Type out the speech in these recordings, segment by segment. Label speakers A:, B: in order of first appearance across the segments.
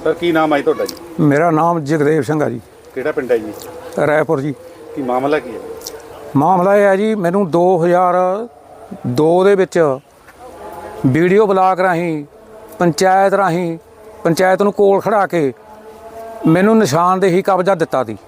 A: Sir की नाम है जी ਤੁਹਾਡਾ ਜੀ?
B: मेरा नाम जगदेव सिंह है जी।
A: ਕਿਹੜਾ ਪਿੰਡ ਹੈ ਜੀ?
B: रायपुर जी।
A: ਕੀ ਮਾਮਲਾ ਕੀ ਹੈ?
B: ਮਾਮਲਾ ਇਹ ਹੈ ਜੀ, ਮੈਨੂੰ 2002 ਦੇ ਵਿੱਚ ਵੀਡੀਓ ਬਲਾਕ ਰਾਹੀਂ ਪੰਚਾਇਤ ਨੂੰ ਕੋਲ ਖੜਾ ਕੇ ਮੈਨੂੰ ਨਿਸ਼ਾਨਦੇਹੀ ਕਬਜ਼ਾ ਦਿੱਤਾ ਸੀ।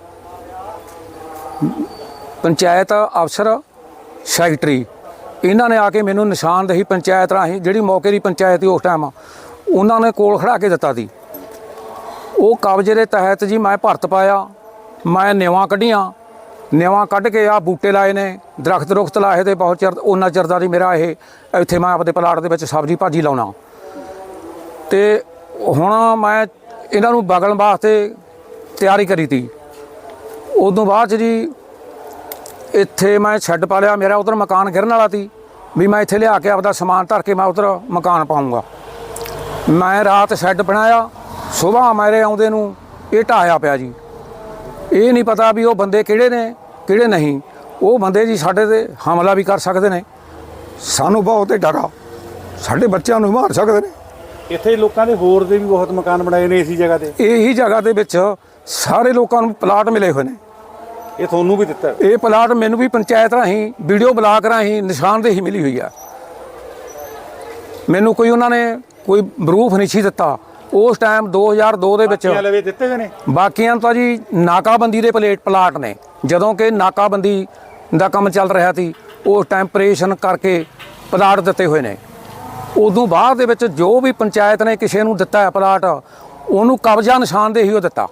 B: ਪੰਚਾਇਤ ਅਫਸਰ ਸੈਕਟਰੀ ਇਹਨਾਂ ਨੇ ਆ ਕੇ ਮੈਨੂੰ ਨਿਸ਼ਾਨਦੇਹੀ ਪੰਚਾਇਤ ਰਾਹੀਂ, ਜਿਹੜੀ ਮੌਕੇ ਦੀ ਪੰਚਾਇਤ ਸੀ ਉਸ ਟਾਈਮ, ਉਹਨਾਂ ਨੇ ਕੋਲ ਖੜਾ ਕੇ ਦਿੱਤਾ ਸੀ। ਉਹ ਕਬਜ਼ੇ ਦੇ ਤਹਿਤ ਜੀ ਮੈਂ ਭਰਤ ਪਾਇਆ, ਮੈਂ ਨਿਵਾਂ ਕੱਢੀਆਂ, ਨਿਵਾਂ ਕੱਢ ਕੇ ਆ ਬੂਟੇ ਲਾਏ ਨੇ, ਦਰਖਤ ਲਾਏ ਤੇ ਬਹੁਤ ਚਿਰ ਉਹਨਾਂ ਚਿਰ ਦਾ ਜੀ ਮੇਰਾ ਇਹ ਇੱਥੇ ਮੈਂ ਆਪਦੇ ਪਲਾਟ ਦੇ ਵਿੱਚ ਸਬਜ਼ੀ ਭਾਜੀ ਲਾਉਣਾ। ਤੇ ਹੁਣ ਮੈਂ ਇਹਨਾਂ ਨੂੰ ਬਗਲਣ ਵਾਸਤੇ ਤਿਆਰੀ ਕਰੀ ਤੀ। ਉਦੋਂ ਬਾਅਦ 'ਚ ਜੀ ਇੱਥੇ ਮੈਂ ਸ਼ੈੱਡ ਪਾ ਲਿਆ। ਮੇਰਾ ਉਧਰ ਮਕਾਨ ਗਿਰਨ ਵਾਲਾ ਸੀ ਵੀ ਮੈਂ ਇੱਥੇ ਲਿਆ ਕੇ ਆਪਦਾ ਸਮਾਨ ਧਰ ਕੇ ਮੈਂ ਉਧਰ ਮਕਾਨ ਪਾਊਂਗਾ। ਮੈਂ ਰਾਤ ਸ਼ੈੱਡ ਬਣਾਇਆ, ਸੁਬਾਹ ਮੇਰੇ ਆਉਂਦੇ ਨੂੰ ਇਹ ਢਾਇਆ ਪਿਆ ਜੀ। ਇਹ ਨਹੀਂ ਪਤਾ ਵੀ ਉਹ ਬੰਦੇ ਕਿਹੜੇ ਨੇ ਕਿਹੜੇ ਨਹੀਂ। ਉਹ ਬੰਦੇ ਜੀ ਸਾਡੇ 'ਤੇ ਹਮਲਾ ਵੀ ਕਰ ਸਕਦੇ ਨੇ, ਸਾਨੂੰ ਬਹੁਤ ਡਰ ਆ, ਸਾਡੇ ਬੱਚਿਆਂ ਨੂੰ ਮਾਰ ਸਕਦੇ ਨੇ।
A: ਇੱਥੇ ਲੋਕਾਂ ਦੇ ਹੋਰ ਦੇ ਵੀ ਬਹੁਤ ਮਕਾਨ ਬਣਾਏ ਨੇ ਇਸੇ ਜਗ੍ਹਾ ਤੇ।
B: ਇਹੀ ਜਗ੍ਹਾ ਦੇ ਵਿੱਚ ਸਾਰੇ ਲੋਕਾਂ ਨੂੰ ਪਲਾਟ ਮਿਲੇ ਹੋਏ ਨੇ।
A: ਇਹ ਤੁਹਾਨੂੰ ਵੀ ਦਿੱਤਾ?
B: ਇਹ ਪਲਾਟ ਮੈਨੂੰ ਵੀ ਪੰਚਾਇਤ ਰਾਹੀਂ, ਵੀਡੀਓ ਬਲਾਕ ਰਾਹੀਂ ਨਿਸ਼ਾਨਦੇਹੀ ਮਿਲੀ ਹੋਈ ਆ। ਮੈਨੂੰ ਕੋਈ ਉਹਨਾਂ ਨੇ ਕੋਈ ਪ੍ਰੂਫ ਨਹੀਂ ਸੀ ਦਿੱਤਾ ਉਸ ਟਾਈਮ 2002 ਦੇ ਵਿੱਚ।
A: ਲਵੇ ਦਿੱਤੇ ਹੋਏ ਨੇ
B: ਬਾਕੀਆਂ ਤਾਂ ਜੀ ਨਾਕਾਬੰਦੀ ਦੇ ਪਲਾਟ ਨੇ। ਜਦੋਂ ਕਿ ਨਾਕਾਬੰਦੀ ਦਾ ਕੰਮ ਚੱਲ ਰਿਹਾ ਸੀ ਉਸ ਟਾਈਮ ਆਪਰੇਸ਼ਨ ਕਰਕੇ ਪਲਾਟ ਦਿੱਤੇ ਹੋਏ ਨੇ। ਉਦੋਂ ਬਾਅਦ ਦੇ ਵਿੱਚ ਜੋ ਵੀ ਪੰਚਾਇਤ ਨੇ ਕਿਸੇ ਨੂੰ ਦਿੱਤਾ ਹੈ ਪਲਾਟ, ਉਹਨੂੰ ਕਬਜ਼ਾ ਨਿਸ਼ਾਨਦੇਹੀ ਉਹ ਦਿੱਤਾ।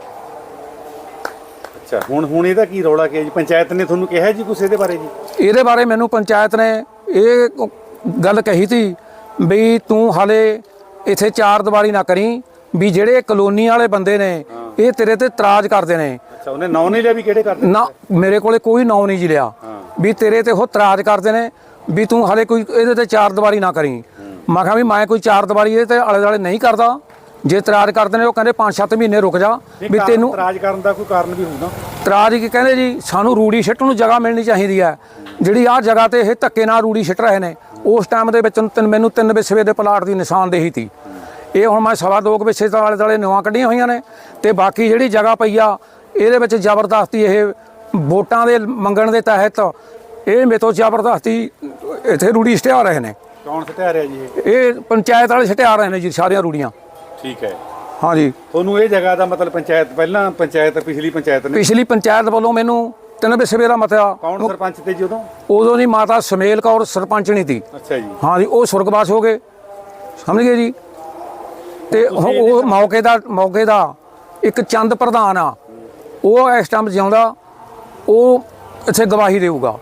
A: ਅੱਛਾ, ਹੁਣ ਇਹਦਾ ਕੀ ਰੌਲਾ ਕੀ ਹੈ ਜੀ? ਪੰਚਾਇਤ ਨੇ ਤੁਹਾਨੂੰ ਕਿਹਾ ਜੀ ਕੁਛ ਇਹਦੇ ਬਾਰੇ ਜੀ?
B: ਇਹਦੇ ਬਾਰੇ ਮੈਨੂੰ ਪੰਚਾਇਤ ਨੇ ਇਹ ਗੱਲ ਕਹੀ ਤੀ ਵੀ ਤੂੰ ਹਾਲੇ ਇੱਥੇ ਚਾਰ ਦੀਵਾਰੀ ਨਾ ਕਰੀ, ਵੀ ਜਿਹੜੇ ਕਲੋਨੀ ਵਾਲੇ ਬੰਦੇ ਨੇ ਇਹ ਤੇਰੇ ਤੇ ਇਤਰਾਜ਼ ਕਰਦੇ ਨੇ।
A: ਅੱਛਾ, ਉਹਨੇ ਨਾਂ ਨਹੀਂ ਲਿਆ ਵੀ ਕਿਹੜੇ ਕਰਦੇ?
B: ਨਾ, ਮੇਰੇ ਕੋਲੇ ਕੋਈ ਨਾਂ ਨਹੀਂ ਜੀ ਲਿਆ ਵੀ ਤੇਰੇ ਤੇ ਉਹ ਇਤਰਾਜ਼ ਕਰਦੇ ਨੇ ਵੀ ਤੂੰ ਹਾਲੇ ਕੋਈ ਇਹਦੇ ਤੇ ਚਾਰ ਦੀਵਾਰੀ ਨਾ ਕਰੀ। ਮੈਂ ਕਿਹਾ ਵੀ ਮੈਂ ਕੋਈ ਚਾਰ ਦੀਵਾਰੀ ਇਹਦੇ ਤੇ ਆਲੇ ਦੁਆਲੇ ਨਹੀਂ ਕਰਦਾ। ਜੇ ਇਤਰਾਜ਼ ਕਰਦੇ ਨੇ ਉਹ ਕਹਿੰਦੇ 5-7 ਮਹੀਨੇ ਰੁਕ ਜਾ ਵੀ ਤੈਨੂੰ।
A: ਇਤਰਾਜ਼ ਕਰਨ ਦਾ ਕੋਈ ਕਾਰਨ ਵੀ ਹੋਊਗਾ?
B: ਇਤਰਾਜ਼ ਕੀ ਕਹਿੰਦੇ ਜੀ, ਸਾਨੂੰ ਰੂੜੀ ਸਿੱਟਣ ਨੂੰ ਜਗ੍ਹਾ ਮਿਲਣੀ ਚਾਹੀਦੀ ਹੈ। ਜਿਹੜੀ ਆਹ ਜਗ੍ਹਾ ਤੇ ਇਹ ਧੱਕੇ ਨਾਲ ਰੂੜੀ ਸਿੱਟ ਰਹੇ ਨੇ, ਉਸ ਟਾਈਮ ਦੇ ਵਿੱਚ ਮੈਨੂੰ 3 ਵਿਸਵੇ ਦੇ ਪਲਾਟ ਦੀ ਨਿਸ਼ਾਨਦੇਹੀ ਸੀ। ਇਹ ਹੁਣ ਮੈਂ 2.25 ਵਿਸਵੇ ਦੇ ਆਲੇ ਦੁਆਲੇ ਨਿਵਾਂ ਕੱਢੀਆਂ ਹੋਈਆਂ ਨੇ। ਤੇ ਬਾਕੀ ਜਿਹੜੀ ਜਗ੍ਹਾ ਪਈ ਆ ਇਹਦੇ ਵਿੱਚ ਜ਼ਬਰਦਸਤੀ ਇਹ ਵੋਟਾਂ ਦੇ ਮੰਗਣ ਦੇ ਤਹਿਤ ਇਹ ਮੇਰੇ ਤੋਂ ਜ਼ਬਰਦਸਤੀ ਇੱਥੇ ਰੂੜੀ ਸਟਿਆ ਰਹੇ ਨੇ।
A: ਕੌਣ ਸਟਿਆ ਰਿਹਾ ਜੀ?
B: ਇਹ ਪੰਚਾਇਤ ਵਾਲੇ ਸਟਿਆ ਰਹੇ ਨੇ ਜੀ ਸਾਰੀਆਂ ਰੂੜੀਆਂ।
A: ਠੀਕ ਹੈ।
B: ਹਾਂ ਜੀ।
A: ਤੁਹਾਨੂੰ ਇਹ ਜਗ੍ਹਾ ਦਾ ਮਤਲਬ ਪਿਛਲੀ ਪੰਚਾਇਤ ਨੇ?
B: ਪਿਛਲੀ ਪੰਚਾਇਤ ਵੱਲੋਂ ਮੈਨੂੰ 3 ਵਿਸਵੇ ਦਾ ਮਤਾ।
A: ਕੌਣ ਸਰਪੰਚ ਤੇ ਜੀ ਉਦੋਂ?
B: ਉਦੋਂ ਦੀ ਮਾਤਾ ਸਮੇਲ ਕੌਰ ਸਰਪੰਚਣੀ ਸੀ।
A: ਅੱਛਾ ਜੀ। ਹਾਂ
B: ਜੀ, ਉਹ ਸੁਰਗਵਾਸ ਹੋ ਗਏ, ਸਮਝ ਗਏ ਜੀ। ਤੇ ਉਹ ਮੌਕੇ ਦਾ ਇੱਕ ਚੰਦ ਪ੍ਰਧਾਨ ਆ, ਉਹ ਇਸ ਟਾਈਮ ਜਿਉਂਦਾ, ਉਹ ਇੱਥੇ ਗਵਾਹੀ ਦੇਊਗਾ।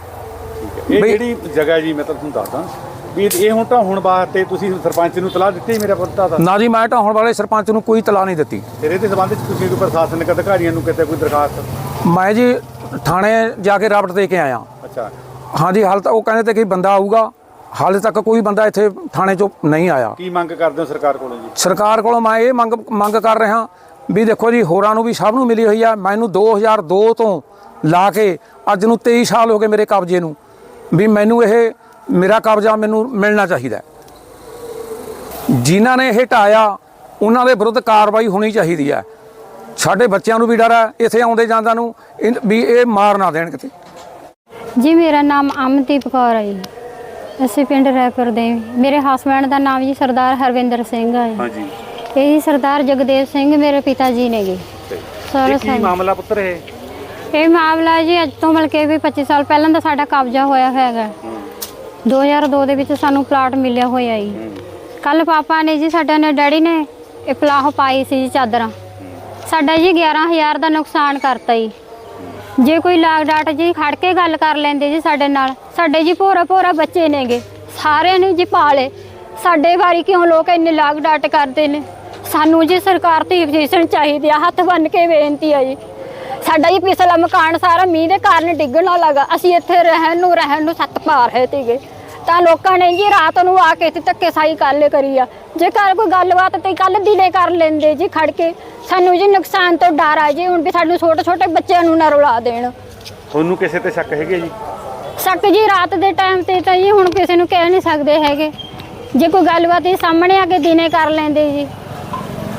A: ਇਹ ਜਿਹੜੀ ਜਗ੍ਹਾ ਜੀ ਮੈਂ ਤੁਹਾਨੂੰ ਦੱਸਦਾ ਵੀ ਇਹ ਹੁਣ ਢਾਹੁਣ ਵਾਸਤੇ ਤੁਸੀਂ ਸਰਪੰਚ ਨੂੰ ਤਲਾਹ ਦਿੱਤੀ? ਮੇਰਾ ਪਤਾ ਤਾਂ
B: ਨਾ ਜੀ, ਮੈਂ ਢਾਹੁਣ ਵਾਲੇ ਸਰਪੰਚ ਨੂੰ ਕੋਈ ਤਲਾਹ ਨਹੀਂ ਦਿੱਤੀ।
A: ਫਿਰ ਇਹਦੇ ਸੰਬੰਧ 'ਚ ਤੁਸੀਂ ਕੋਈ ਪ੍ਰਸ਼ਾਸਨਿਕ ਅਧਿਕਾਰੀਆਂ ਨੂੰ ਕਿਤੇ ਕੋਈ ਦਰਖਾਸਤ?
B: ਮੈਂ ਜੀ ਥਾਣੇ ਜਾ ਕੇ ਰਾਬਟ ਦੇ ਕੇ ਆਇਆ।
A: ਅੱਛਾ।
B: ਹਾਂ ਜੀ, ਹਾਲ ਤੱਕ ਉਹ ਕਹਿੰਦੇ ਤੇ ਕਿ ਬੰਦਾ ਆਊਗਾ, ਹਾਲੇ ਤੱਕ ਕੋਈ ਬੰਦਾ ਇੱਥੇ ਥਾਣੇ 'ਚੋਂ ਨਹੀਂ ਆਇਆ।
A: ਕੀ ਮੰਗ ਕਰਦੇ ਹੋ ਸਰਕਾਰ ਕੋਲੋਂ ਜੀ?
B: ਸਰਕਾਰ ਕੋਲੋਂ ਮੈਂ ਇਹ ਮੰਗ ਕਰ ਰਿਹਾ ਵੀ ਦੇਖੋ ਜੀ, ਹੋਰਾਂ ਨੂੰ ਵੀ ਸਭ ਨੂੰ ਮਿਲੀ ਹੋਈ ਆ। ਮੈਨੂੰ 2002 ਤੋਂ ਲਾ ਕੇ ਅੱਜ ਨੂੰ 23 ਸਾਲ ਹੋ ਗਏ ਮੇਰੇ ਕਬਜ਼ੇ ਨੂੰ, ਵੀ ਮੈਨੂੰ ਇਹ ਮੇਰਾ ਕਬਜ਼ਾ ਮੈਨੂੰ ਮਿਲਣਾ ਚਾਹੀਦਾ। ਜਿਨ੍ਹਾਂ ਨੇ ਇਹ ਢਾਇਆ ਉਹਨਾਂ ਦੇ ਵਿਰੁੱਧ ਕਾਰਵਾਈ ਹੋਣੀ ਚਾਹੀਦੀ ਹੈ। ਸਾਡੇ ਬੱਚਿਆਂ ਨੂੰ ਵੀ ਡਰ ਹੈ ਇੱਥੇ ਆਉਂਦੇ ਜਾਂਦਿਆਂ ਨੂੰ ਵੀ ਇਹ ਮਾਰ ਨਾ ਦੇਣ ਕਿਤੇ।
C: ਜੀ ਮੇਰਾ ਨਾਮ ਅਮਨਦੀਪ ਕੌਰ ਹੈ ਜੀ। ਅਸੀਂ ਪਿੰਡ ਰਾਏਪੁਰ ਦੇ। ਮੇਰੇ ਹਸਬੈਂਡ ਦਾ ਨਾਮ ਜੀ ਸਰਦਾਰ ਹਰਵਿੰਦਰ ਸਿੰਘ ਹੈ।
A: ਹਾਂਜੀ।
C: ਇਹ ਜੀ ਸਰਦਾਰ ਜਗਦੇਵ ਸਿੰਘ ਮੇਰੇ ਪਿਤਾ ਜੀ ਨੇਗੇ।
A: ਕੀ ਮਾਮਲਾ ਪੁੱਤਰ
C: ਇਹ ਮਾਮਲਾ ਜੀ ਅੱਜ ਤੋਂ ਬਲਕਿ ਵੀ 25 ਸਾਲ ਪਹਿਲਾਂ ਦਾ ਸਾਡਾ ਕਬਜ਼ਾ ਹੋਇਆ ਹੈਗਾ। 2002 ਦੇ ਵਿੱਚ ਸਾਨੂੰ ਪਲਾਟ ਮਿਲਿਆ ਹੋਇਆ ਜੀ। ਕੱਲ ਪਾਪਾ ਨੇ ਜੀ ਸਾਡੇ ਨੇ ਡੈਡੀ ਨੇ ਇਹ ਪਲਾਹ ਪਾਈ ਸੀ ਜੀ ਚਾਦਰਾਂ। ਸਾਡਾ ਜੀ 11,000 ਦਾ ਨੁਕਸਾਨ ਕਰਤਾ ਜੀ। ਜੇ ਕੋਈ ਲਾਗ ਡਾਟ ਜੀ ਖੜ ਕੇ ਗੱਲ ਕਰ ਲੈਂਦੇ ਜੀ ਸਾਡੇ ਨਾਲ। ਸਾਡੇ ਜੀ ਭੋਰਾ ਬੱਚੇ ਨੇਗੇ, ਸਾਰਿਆਂ ਨੇ ਜੀ ਪਾਲੇ। ਸਾਡੇ ਵਾਰੀ ਕਿਉਂ ਲੋਕ ਇੰਨੇ ਲਾਗ ਡਾਟ ਕਰਦੇ ਨੇ? ਸਾਨੂੰ ਜੀ ਸਰਕਾਰ ਦੀ ਪੋਜੀਸ਼ਨ ਚਾਹੀਦੀ ਆ। ਹੱਥ ਬੰਨ ਕੇ ਬੇਨਤੀ ਆ ਜੀ। ਸਾਡਾ ਜੀ ਪਿਛਲਾ ਮਕਾਨ ਸਾਰਾ ਮੀਂਹ ਦੇ ਕਾਰਨ ਡਿੱਗਣ ਲੱਗਾ। ਅਸੀਂ ਇੱਥੇ ਰਹਿਣ ਨੂੰ ਛੱਤ ਪਾ ਰਹੇ ਸੀਗੇ ਤਾਂ ਲੋਕਾਂ ਨੇ ਜੀ ਰਾਤ ਨੂੰ ਆ ਕੇ ਇੱਥੇ ਧੱਕੇਸ਼ਾਹੀ ਕੱਲ ਕਰੀ ਆ। ਜੇ ਘਰ ਕੋਈ ਗੱਲਬਾਤ ਤੇ ਕੱਲ ਦਿਨੇ ਕਰ ਲੈਂਦੇ ਜੀ ਖੜ ਕੇ। ਸਾਨੂੰ ਜੀ ਨੁਕਸਾਨ ਤੋਂ ਡਰ ਆ ਜੀ ਹੁਣ ਵੀ ਸਾਨੂੰ ਛੋਟੇ ਬੱਚਿਆਂ ਨੂੰ ਨਾ ਰੁਲਾ ਦੇਣ।
A: ਤੁਹਾਨੂੰ ਕਿਸੇ ਤੇ ਸ਼ੱਕ ਹੈਗੇ ਜੀ?
C: ਸ਼ੱਕ ਜੀ ਰਾਤ ਦੇ ਟਾਈਮ ਤੇ ਤਾਂ ਜੀ ਹੁਣ ਕਿਸੇ ਨੂੰ ਕਹਿ ਨਹੀਂ ਸਕਦੇ ਹੈਗੇ। ਜੇ ਕੋਈ ਗੱਲਬਾਤ ਹੀ ਸਾਹਮਣੇ ਆ ਕੇ ਦਿਨੇ ਕਰ ਲੈਂਦੇ ਜੀ।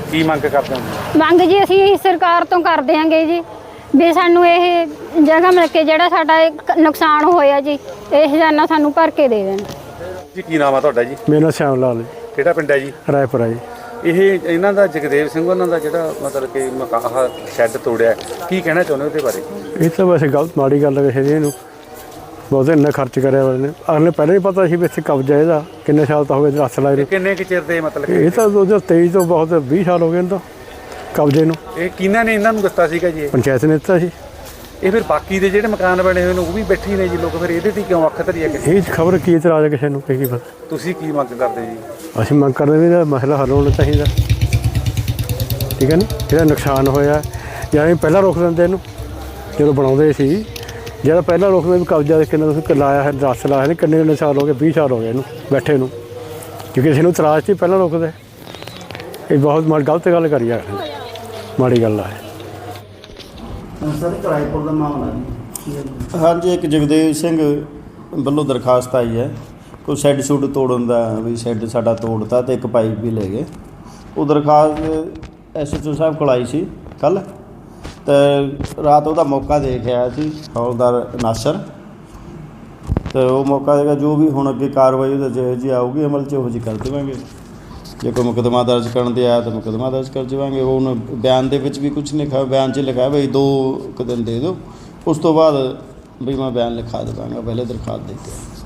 A: ਕੀ ਮੰਗ ਕਰਦੇ ਹੋ?
C: ਮੰਗ ਜੀ ਅਸੀਂ ਸਰਕਾਰ ਤੋਂ ਕਰਦੇ ਆਂਗੇ ਜੀ ਵੀ ਸਾਨੂੰ ਇਹ ਜਗ੍ਹਾ ਮਿਲ ਕੇ ਜਿਹੜਾ ਸਾਡਾ ਇਹ ਨੁਕਸਾਨ ਹੋਇਆ ਜੀ ਇਹ ਖਜ਼ਾਨਾ ਸਾਨੂੰ ਭਰ ਕੇ ਦੇ ਦੇਣ।
A: ਜੀ ਕੀ ਨਾਮ ਆ ਤੁਹਾਡਾ ਜੀ?
D: ਮੇਰਾ ਨਾਮ ਸ਼ਾਮ ਲਾਲ ਜੀ,
A: ਕਿਹੜਾ ਪਿੰਡ ਹੈ ਜੀ?
D: ਰਾਏਪੁਰਾ ਜੀ।
A: ਇਹ ਇਹਨਾਂ ਦਾ ਜਗਦੇਵ ਸਿੰਘ ਉਹਨਾਂ ਦਾ ਜਿਹੜਾ ਮਤਲਬ ਕਿ ਮਕਾਨ ਸ਼ੈੱਡ ਤੋੜਿਆ, ਕੀ ਕਹਿਣਾ ਚਾਹੁੰਦੇ ਹੋ ਉਹਦੇ ਬਾਰੇ?
D: ਇਹ ਤਾਂ ਵੈਸੇ ਗਲਤ ਮਾੜੀ ਗੱਲ ਹੈ ਵੈਸੇ ਜੀ। ਇਹਨੂੰ ਬਹੁਤੇ ਇੰਨਾ ਖਰਚ ਕਰਿਆ ਵਾਲੇ ਨੇ, ਅਗਲੇ ਪਹਿਲਾਂ ਹੀ ਪਤਾ ਸੀ ਵੀ ਇੱਥੇ ਕਬਜ਼ਾ ਇਹਦਾ, ਕਿੰਨੇ ਸਾਲ ਤਾਂ ਹੋ ਗਏ ਰੱਸ ਲਾਏ ਨੂੰ।
A: ਕਿੰਨੇ ਕੁ ਚਿਰ ਦੇ ਮਤਲਬ
D: ਇਹ ਤਾਂ 2023 ਤੋਂ ਬਹੁਤ 20 ਸਾਲ ਹੋ ਗਏ ਇਹਨਾਂ ਤੋਂ ਕਬਜ਼ੇ ਨੂੰ।
A: ਇਹ ਕਿਹਨਾਂ ਨੇ ਇਹਨਾਂ ਨੂੰ ਦਿੱਤਾ ਸੀਗਾ ਜੀ?
D: ਪੰਚਾਇਤ ਨੇ ਦਿੱਤਾ ਸੀ।
A: ਇਹ ਫਿਰ ਬਾਕੀ ਦੇ ਜਿਹੜੇ ਮਕਾਨ ਬਣੇ ਹੋਏ ਨੇ ਉਹ ਵੀ ਬੈਠੇ ਹੀ ਨੇ ਜੀ ਲੋਕ, ਫਿਰ ਇਹਦੇ ਤੇ ਕਿਉਂ ਅੱਖ ਧਰੀ ਹੈ?
D: ਇਹ ਖਬਰ ਕੀ ਇਤਰਾਜ਼ ਹੈ ਕਿਸੇ ਨੂੰ, ਕੀ ਪਤਾ।
A: ਤੁਸੀਂ ਕੀ ਮੰਗ ਕਰਦੇ ਜੀ?
D: ਅਸੀਂ ਮੰਗ ਕਰਦੇ ਵੀ ਇਹਦਾ ਮਸਲਾ ਹੱਲ ਹੋਣਾ ਚਾਹੀਦਾ, ਠੀਕ ਹੈ ਨਾ। ਜਿਹੜਾ ਨੁਕਸਾਨ ਹੋਇਆ ਜਾਂ ਇਹ ਪਹਿਲਾਂ ਰੋਕ ਦਿੰਦੇ ਇਹਨੂੰ ਜਦੋਂ ਬਣਾਉਂਦੇ ਸੀ, ਜਿਹੜਾ ਪਹਿਲਾਂ ਰੋਕਦੇ ਵੀ ਕਬਜ਼ਾ ਕਿੰਨਾ ਤੁਸੀਂ ਲਾਇਆ ਹੈ, ਰੱਸ ਲਾਇਆ ਨੇ, ਕਿੰਨੇ ਸਾਲ ਹੋ ਗਏ, 20 ਸਾਲ ਹੋ ਗਏ ਇਹਨੂੰ ਬੈਠੇ ਨੂੰ, ਕਿਉਂਕਿ ਕਿਸੇ ਨੂੰ ਇਤਰਾਜ਼ ਸੀ ਪਹਿਲਾਂ ਰੋਕਦੇ। ਇਹ ਬਹੁਤ ਗਲਤ ਗੱਲ ਕਰੀ ਆ, ਮਾੜੀ ਗੱਲ ਹੈ।
E: ਸਰ ਕਿਰਾਏਪੁਰ ਦਾ ਮਾਮਲਾ ਜੀ। ਹਾਂਜੀ, ਇੱਕ ਜਗਦੇਵ ਸਿੰਘ ਵੱਲੋਂ ਦਰਖਾਸਤ ਆਈ ਹੈ ਕੋਈ ਸ਼ੈੱਡ ਸ਼ੁੱਡ ਤੋੜਨ ਦਾ, ਵੀ ਸ਼ੈੱਡ ਸਾਡਾ ਤੋੜਤਾ ਤੇ ਇੱਕ ਪਾਈਪ ਵੀ ਲੈ ਗਏ। ਉਹ ਦਰਖਾਸਤ ਐਸਐਚਓ ਸਾਹਿਬ ਕੋਲ ਆਈ ਸੀ ਕੱਲ੍ਹ, ਤੇ ਰਾਤ ਉਹਦਾ ਮੌਕਾ ਦੇਖ ਆਇਆ ਸੀ ਹੌਲਦਾਰ ਨਾਸਰ, ਤੇ ਉਹ ਮੌਕਾ ਦੇਗਾ ਜੋ ਵੀ ਹੁਣ ਅੱਗੇ ਕਾਰਵਾਈ ਉਹਦਾ ਜਿਹੋ ਜਿਹੀ ਆਊਗੀ ਅਮਲ 'ਚ ਉਹੋ ਜਿਹੀ ਕਰ ਦੇਵਾਂਗੇ। ਜੇ ਕੋਈ ਮੁਕੱਦਮਾ ਦਰਜ ਕਰਨ ਦੇ ਆਇਆ ਤਾਂ ਮੁਕੱਦਮਾ ਦਰਜ ਕਰ ਦੇਵਾਂਗੇ। ਉਹ ਬਿਆਨ ਦੇ ਵਿੱਚ ਵੀ ਕੁਝ ਨਹੀਂ ਲਿਖਿਆ, ਬਿਆਨ 'ਚ ਲਿਖਿਆ ਬਈ 2 ਕੁ ਦਿਨ ਦੇ ਦਿਓ, ਉਸ ਤੋਂ ਬਾਅਦ ਵੀ ਮੈਂ ਬਿਆਨ ਲਿਖਾ ਦੇਵਾਂਗਾ, ਪਹਿਲੇ ਦਰਖਾਸਤ ਦੇ ਕੇ।